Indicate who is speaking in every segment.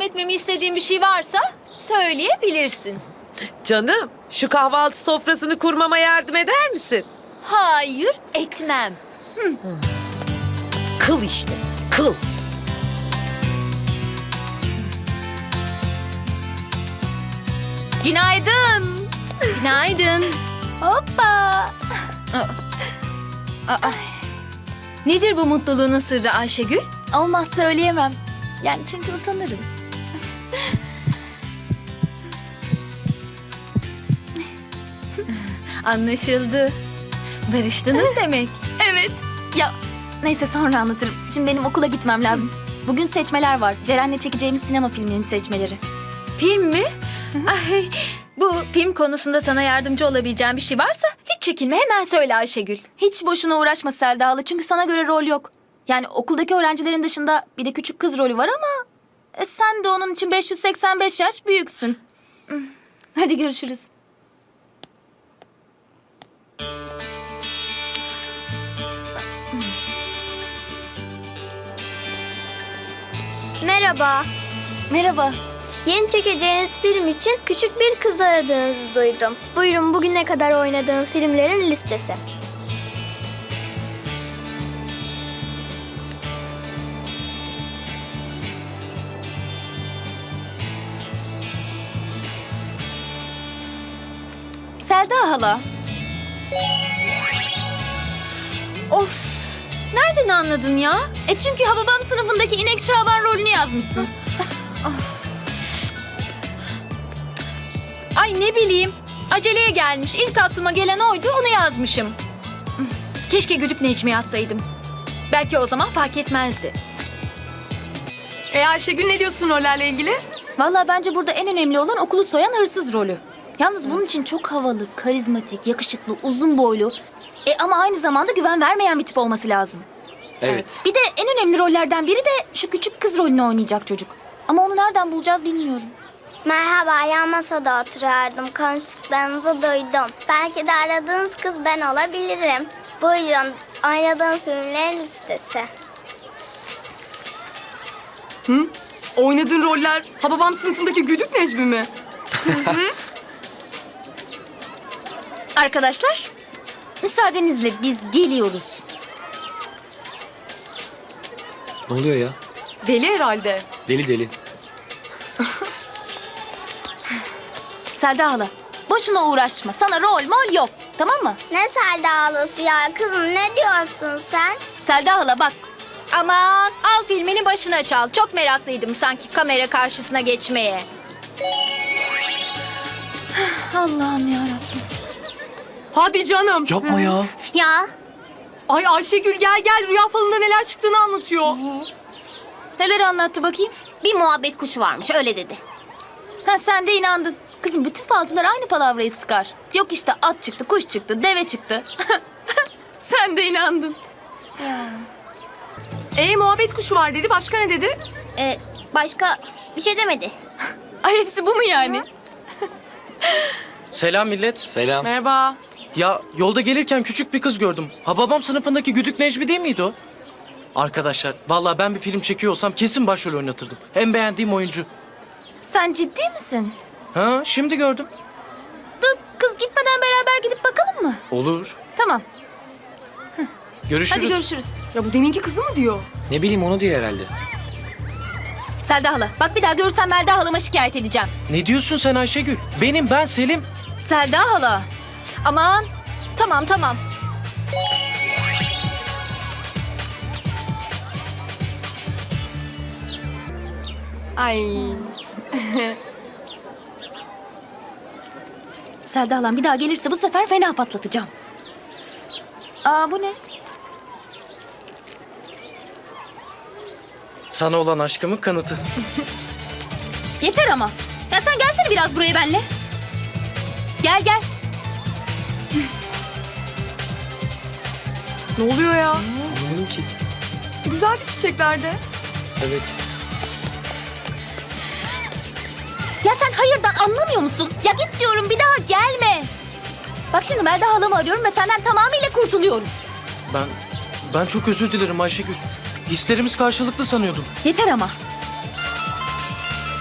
Speaker 1: yardım etmemi istediğin bir şey varsa söyleyebilirsin.
Speaker 2: Canım, şu kahvaltı sofrasını kurmama yardım eder misin?
Speaker 1: Hayır, etmem.
Speaker 2: Kıl işte, kıl.
Speaker 3: Günaydın.
Speaker 1: Günaydın.
Speaker 3: Hoppa.
Speaker 1: Nedir bu mutluluğunun sırrı Ayşegül?
Speaker 3: Olmaz söyleyemem. Yani çünkü utanırım.
Speaker 1: Anlaşıldı. Barıştınız demek.
Speaker 3: Evet. Ya neyse sonra anlatırım. Şimdi benim okula gitmem lazım. Bugün seçmeler var. Ceren'le çekeceğimiz sinema filminin seçmeleri.
Speaker 1: Film mi? Ay, bu film konusunda sana yardımcı olabileceğim bir şey varsa hiç çekinme, hemen söyle Ayşegül.
Speaker 3: Hiç boşuna uğraşma Selda hala çünkü sana göre rol yok. Yani okuldaki öğrencilerin dışında bir de küçük kız rolü var ama... sen de onun için 585 yaş büyüksün. Hadi görüşürüz.
Speaker 4: Merhaba.
Speaker 3: Merhaba.
Speaker 4: Yeni çekeceğiniz film için küçük bir kız aradığınızı duydum. Buyurun bugüne kadar oynadığım filmlerin listesi.
Speaker 3: Selda hala.
Speaker 1: Of, nereden anladın ya?
Speaker 3: Çünkü Hababam sınıfındaki İnek Şaban rolünü yazmışsın.
Speaker 1: Ay ne bileyim, aceleye gelmiş. İlk aklıma gelen oydu, onu yazmışım. Keşke Güdük Necmi yazsaydım. Belki o zaman fark etmezdi.
Speaker 5: Ayşegül ne diyorsun rollerle ilgili?
Speaker 3: Vallahi bence burada en önemli olan okulu soyan hırsız rolü. Yalnız bunun için çok havalı, karizmatik, yakışıklı, uzun boylu... ama aynı zamanda güven vermeyen bir tip olması lazım.
Speaker 6: Evet.
Speaker 3: Bir de en önemli rollerden biri de şu küçük kız rolünü oynayacak çocuk. Ama onu nereden bulacağız bilmiyorum.
Speaker 4: Merhaba, yan masada oturuyordum. Konuştuklarınızı duydum. Belki de aradığınız kız ben olabilirim. Buyurun, oynadığım filmlerin listesi.
Speaker 5: Oynadığın roller Hababam sınıfındaki Güdük Necmi mi?
Speaker 3: Arkadaşlar, müsaadenizle biz geliyoruz.
Speaker 6: Ne oluyor ya?
Speaker 5: Deli herhalde.
Speaker 6: Deli deli.
Speaker 3: Selda hala, boşuna uğraşma. Sana rol mol yok, tamam mı?
Speaker 4: Ne Selda ağlası ya kızım, ne diyorsun sen?
Speaker 3: Selda hala bak,
Speaker 1: Aman, al filmini başına çal. Çok meraklıydım sanki kamera karşısına geçmeye.
Speaker 3: Allah'ım yarabbim.
Speaker 5: Hadi canım.
Speaker 6: Yapma ya.
Speaker 3: Ya,
Speaker 5: Ay Ayşegül gel rüya falında neler çıktığını anlatıyor.
Speaker 3: neler anlattı bakayım?
Speaker 7: Bir muhabbet kuşu varmış öyle dedi.
Speaker 3: Ha sen de inandın. Kızım bütün falcılar aynı palavrayı sıkar. Yok işte at çıktı, kuş çıktı, deve çıktı. Sen de inandın.
Speaker 5: Muhabbet kuşu var dedi. Başka ne dedi?
Speaker 7: Başka bir şey demedi.
Speaker 3: Ay hepsi bu mu yani?
Speaker 8: Selam millet.
Speaker 6: Selam.
Speaker 5: Merhaba.
Speaker 8: Ya yolda gelirken küçük bir kız gördüm. Hababam sınıfındaki Güdük Necmi değil miydi o? Arkadaşlar vallahi ben bir film çekiyor olsam kesin başrol oynatırdım. En beğendiğim oyuncu.
Speaker 3: Sen ciddi misin?
Speaker 8: Ha şimdi gördüm.
Speaker 3: Dur kız gitmeden beraber gidip bakalım mı?
Speaker 8: Olur.
Speaker 3: Tamam.
Speaker 8: Görüşürüz.
Speaker 3: Hadi görüşürüz.
Speaker 5: Ya bu deminki kızı mı diyor?
Speaker 6: Ne bileyim onu diyor herhalde.
Speaker 3: Selda hala bak bir daha görsem Melda halama şikayet edeceğim.
Speaker 8: Ne diyorsun sen Ayşegül? Ben Selim.
Speaker 3: Selda hala.
Speaker 1: Aman, tamam.
Speaker 5: Ay.
Speaker 3: Selda halam bir daha gelirse bu sefer fena patlatacağım. Aa bu ne?
Speaker 8: Sana olan aşkımın kanıtı.
Speaker 3: Yeter ama. Ya sen gelsene biraz buraya benimle. Gel.
Speaker 5: Ne oluyor ya?
Speaker 6: Anlamadım ki.
Speaker 5: Güzeldi çiçeklerde.
Speaker 6: Evet.
Speaker 3: Ya sen hayırdan anlamıyor musun? Ya git diyorum bir daha gelme. Bak şimdi Melda halamı arıyorum ve senden tamamıyla kurtuluyorum.
Speaker 8: Ben çok özür dilerim Ayşegül. Hislerimiz karşılıklı sanıyordum.
Speaker 3: Yeter ama.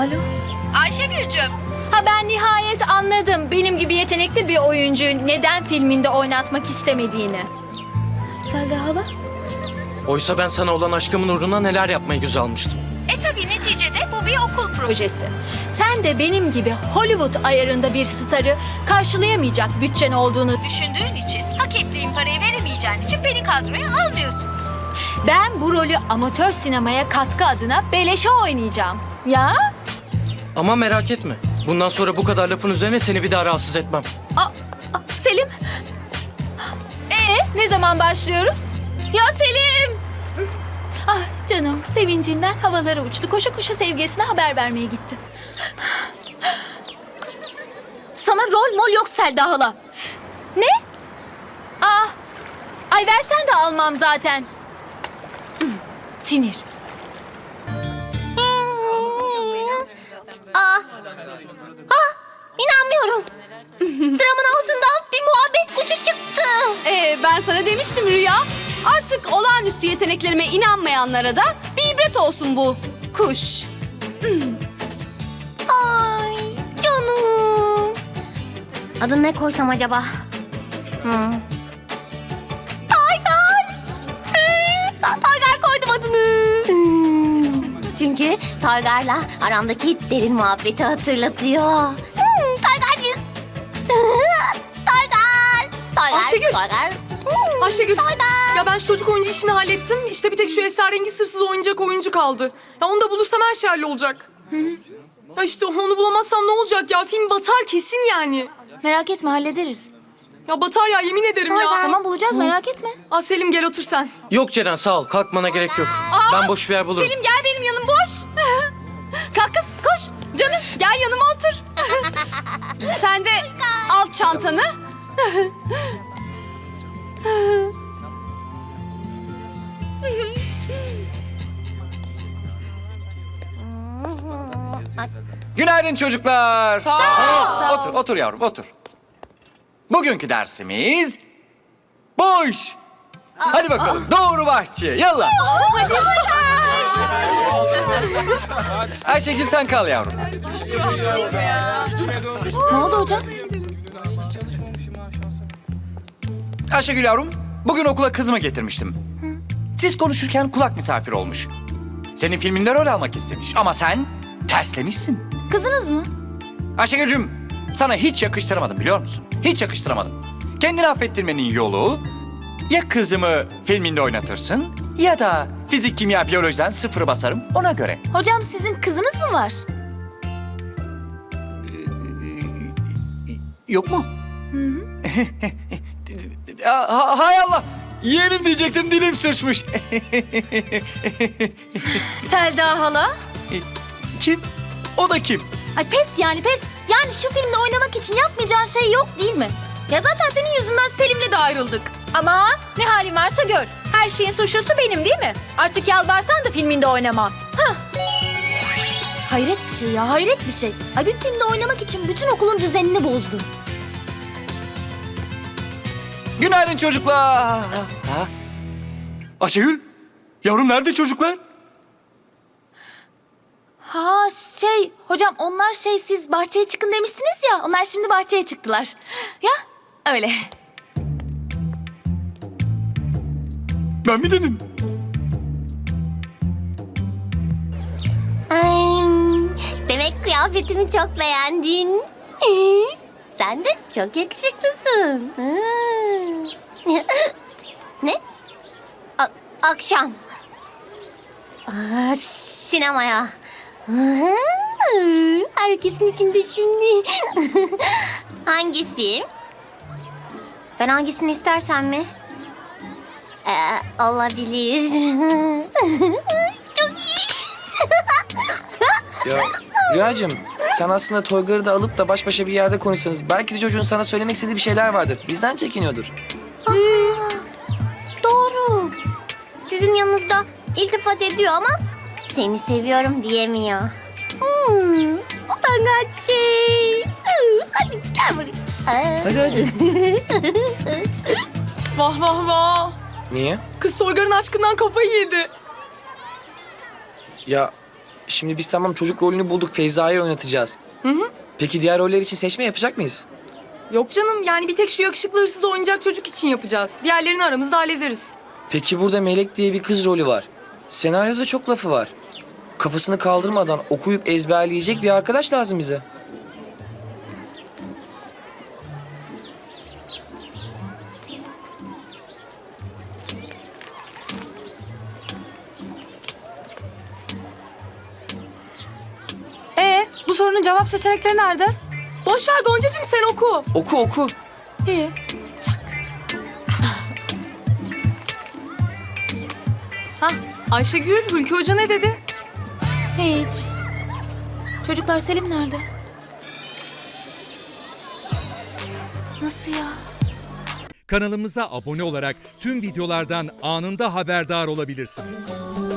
Speaker 3: Alo.
Speaker 1: Ayşegül'cüm. Ha ben nihayet anladım. Benim gibi yetenekli bir oyuncuyu neden filminde oynatmak istemediğini.
Speaker 3: Selda hala?
Speaker 8: Oysa ben sana olan aşkımın uğruna neler yapmayı göze almıştım.
Speaker 1: Tabii neticede bu bir okul projesi. Sen de benim gibi Hollywood ayarında bir starı karşılayamayacak bütçen olduğunu düşündüğün için, hak ettiğin parayı veremeyeceğin için beni kadroya almıyorsun. Ben bu rolü amatör sinemaya katkı adına beleşe oynayacağım. Ya?
Speaker 8: Ama merak etme. Bundan sonra bu kadar lafın üzerine seni bir daha rahatsız etmem.
Speaker 3: Selim.
Speaker 1: Ne zaman başlıyoruz?
Speaker 3: Ya Selim.
Speaker 1: Ah canım, sevincinden havalara uçtu. Koşa koşa sevgilisine haber vermeye gitti.
Speaker 3: Sana rol mol yok Selda hala.
Speaker 1: Ne? Ay versen de almam zaten. Sinir.
Speaker 7: İnanmıyorum. Sıramın altından bir muhabbet kuşu çıktı.
Speaker 9: Ben sana demiştim Rüya. Artık olağanüstü yeteneklerime inanmayanlara da bir ibret olsun bu kuş.
Speaker 7: Ay canım. Adını ne koysam acaba? Taygar. Taygar koydum adını. Çünkü Taygar'la aramdaki derin muhabbeti hatırlatıyor. Taygarcık. Taygar. Taygar.
Speaker 5: Ayşegül.
Speaker 7: Taygar.
Speaker 5: Ayşegül.
Speaker 7: Taygar.
Speaker 5: Ya ben şu çocuk oyuncu işini hallettim. İşte bir tek şu esrarengiz hırsız oynayacak oyuncu kaldı. Ya onu da bulursam her şey hallolacak. Ya işte onu bulamazsam ne olacak ya? Film batar kesin yani.
Speaker 3: Merak etme hallederiz.
Speaker 5: Ya batar ya, yemin ederim ya.
Speaker 3: Tamam bulacağız merak etme.
Speaker 5: Selim gel otur sen.
Speaker 8: Yok Ceren sağ ol. Kalkmana gerek yok. Ben boş bir yer bulurum.
Speaker 9: Selim gel benim yanım boş. Kalk kız koş. Canım gel yanıma otur. Sen de al çantanı.
Speaker 10: Günaydın çocuklar. Otur, otur yavrum, otur. Bugünkü dersimiz boş. Hadi bakalım, doğru bahçeye, yallah. Ayşegül sen kal yavrum.
Speaker 3: Ne oldu hocam?
Speaker 10: Ayşegül yavrum, bugün okula kızımı getirmiştim. Siz konuşurken kulak misafir olmuş. Senin filminde rol almak istemiş ama sen terslemişsin.
Speaker 3: Kızınız mı?
Speaker 10: Ayşegül'cüm, sana hiç yakıştıramadım biliyor musun? Hiç yakıştıramadım. Kendini affettirmenin yolu ya kızımı filminde oynatırsın ya da fizik, kimya, biyolojiden 0 basarım ona göre.
Speaker 3: Hocam sizin kızınız mı var?
Speaker 10: Yok mu? Hay Allah! Yeğenim diyecektim, dilim sürçmüş.
Speaker 3: Selda hala?
Speaker 10: Kim? O da kim?
Speaker 3: Ay pes yani pes. Yani şu filmde oynamak için yapmayacağın şey yok değil mi? Ya zaten senin yüzünden Selim'le de ayrıldık.
Speaker 1: Ama ne halin varsa gör. Her şeyin suçlusu benim değil mi? Artık yalvarsan da filminde oynamam.
Speaker 3: Hayret bir şey ya hayret bir şey. Ay bir filmde oynamak için bütün okulun düzenini bozdu.
Speaker 10: Günaydın çocuklar. Ayşegül, yavrum nerede çocuklar?
Speaker 3: Ha hocam onlar siz bahçeye çıkın demiştiniz ya. Onlar şimdi bahçeye çıktılar. Ya öyle.
Speaker 10: Ben mi dedim?
Speaker 7: Ay, demek kıyafetimi çok beğendin. Sen de çok yakışıklısın. Ne? Akşam. Sinemaya. Herkesin içinde şimdi. Hangi film? Ben hangisini istersen mi? Olabilir. Çok iyi.
Speaker 6: Ya Rüyacığım sen aslında Toygar'ı da alıp da baş başa bir yerde konuşsanız belki de çocuğun sana söylemek istediği bir şeyler vardır. Bizden çekiniyordur.
Speaker 7: Doğru. Sizin yanınızda iltifat ediyor ama seni seviyorum diyemiyor. Utangaç şey. Hadi gel buraya.
Speaker 6: Hadi.
Speaker 5: Vah vah vah.
Speaker 6: Niye?
Speaker 5: Kız Toygar'ın aşkından kafayı yedi.
Speaker 6: Ya Şimdi biz tamam çocuk rolünü bulduk. Feyza'yı oynatacağız. Peki diğer roller için seçme yapacak mıyız?
Speaker 5: Yok canım, yani bir tek şu yakışıklı hırsız oyuncak çocuk için yapacağız. Diğerlerini aramızda hallederiz.
Speaker 6: Peki burada Melek diye bir kız rolü var. Senaryoda çok lafı var. Kafasını kaldırmadan okuyup ezberleyecek bir arkadaş lazım bize.
Speaker 9: Bu sorunun cevap seçenekleri nerede?
Speaker 5: Boş ver Goncacığım, sen oku.
Speaker 6: Oku oku.
Speaker 9: İyi.
Speaker 5: Ayşegül, Hülkü Hoca ne dedi?
Speaker 3: Hiç. Çocuklar, Selim nerede? Nasıl ya?
Speaker 11: Kanalımıza abone olarak tüm videolardan anında haberdar olabilirsiniz.